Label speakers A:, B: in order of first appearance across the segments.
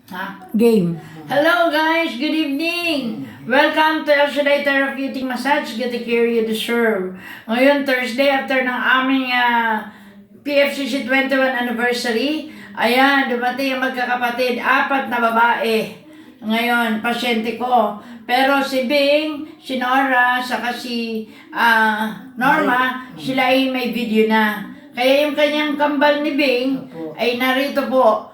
A: Game.
B: Hello guys, good evening! Welcome to El Shaddai Therapeutic Massage. Get the care you deserve. Ngayon, Thursday, after ng aming PFCC 21 anniversary, ayan, dumating ang magkakapatid, 4 na babae. Ngayon, pasyente ko. Pero si Bing, si Nora, saka si Norma, sila ay may video na. Kaya yung kanyang kambal ni Bing ay narito po.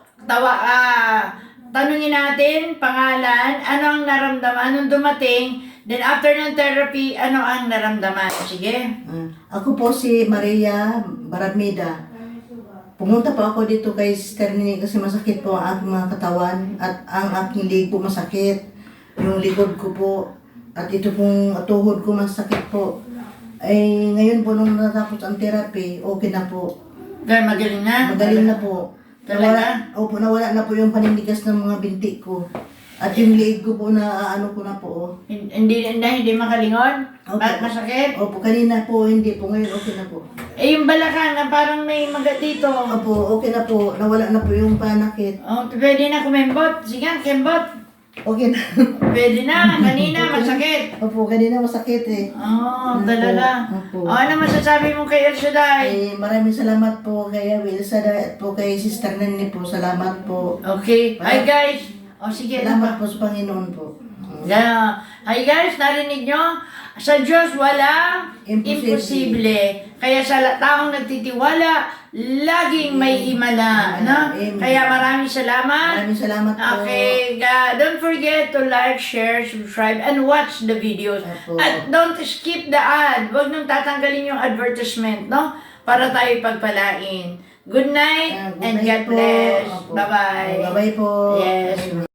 B: Tanungin natin, pangalan, ano ang naramdaman nung dumating, then after ng therapy, ano ang naramdaman? Sige.
C: Ako po si Maria Baramida. Pumunta po ako dito kay Sister Nini kasi masakit po ang aking mga katawan at ang aking leg po masakit. Yung likod ko po at ito pong tuhod ko masakit po. Ay ngayon po nung natapos ang therapy, okay na po.
B: Dahil magaling na?
C: Magaling na po. Nawala na po yung panindigas ng mga binti ko. At yung leg ko po na ano ko na po.
B: Hindi makalingon?
C: Opo.
B: Bakit masakit?
C: Opo, kanina po hindi po. Ngayon okay na po.
B: Eh yung balakang na parang may magat dito.
C: Opo, okay na po. Nawala na po yung panakit.
B: Oh, pwede na kumembot. Sige, kembot.
C: Okay na.
B: Pwede na. Kanina masakit.
C: Opo, kanina masakit eh.
B: Oh, talala.
C: Opo.
B: Oh, ano masasabi mo kay El Shaddai?
C: Maraming salamat po kay Wilsa at po kay Sister Nini po. Salamat po.
B: Okay. Hi guys. Oh, sige.
C: Salamat po sa Panginoon po.
B: Yeah. Hi guys, narinig nyo? Sa Diyos walang imposible. Kaya sa taong nagtitiwala, laging may himala. No?
C: Amen.
B: Kaya maraming salamat.
C: Maraming salamat po.
B: Okay, don't forget to like, share, subscribe, and watch the videos.
C: Opo.
B: At don't skip the ad. Huwag nung tatanggalin yung advertisement, no? Para tayo pagpalain. Good night
C: Good
B: and
C: night
B: God
C: po.
B: bless.
C: Opo.
B: Bye-bye.
C: Bye-bye po.
B: Yes.